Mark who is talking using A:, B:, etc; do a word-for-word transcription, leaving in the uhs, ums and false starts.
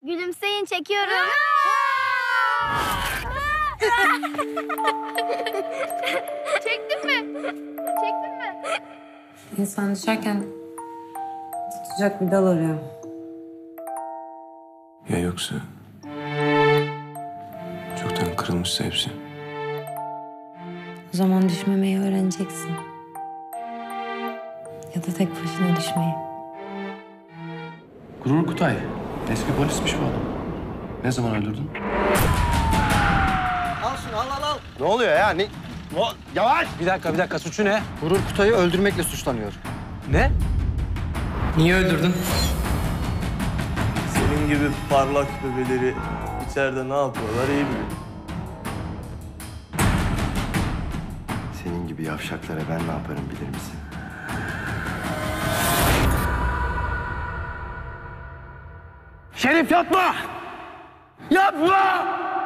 A: Gülümseyin, çekiyorum. Çektin mi? Çektin mi?
B: İnsan düşerken tutacak bir dal arıyor.
C: Ya yoksa çoktan kırılmışsa hepsi.
B: O zaman düşmemeyi öğreneceksin. Ya da tek başına düşmeyi.
C: Gurur Kutay. Eski polismiş bu adam. Ne zaman öldürdün?
D: Al şunu al al al.
E: Ne oluyor ya? Ne? O, yavaş!
D: Bir dakika bir dakika suçu ne? Gurur Kutay'ı öldürmekle suçlanıyor.
C: Ne?
D: Niye öldürdün?
F: Senin gibi parlak bebeleri içeride ne yapıyorlar iyi biliyor.
E: Senin gibi yavşaklara ben ne yaparım bilir misin?
D: Şerif yapma! Yapma!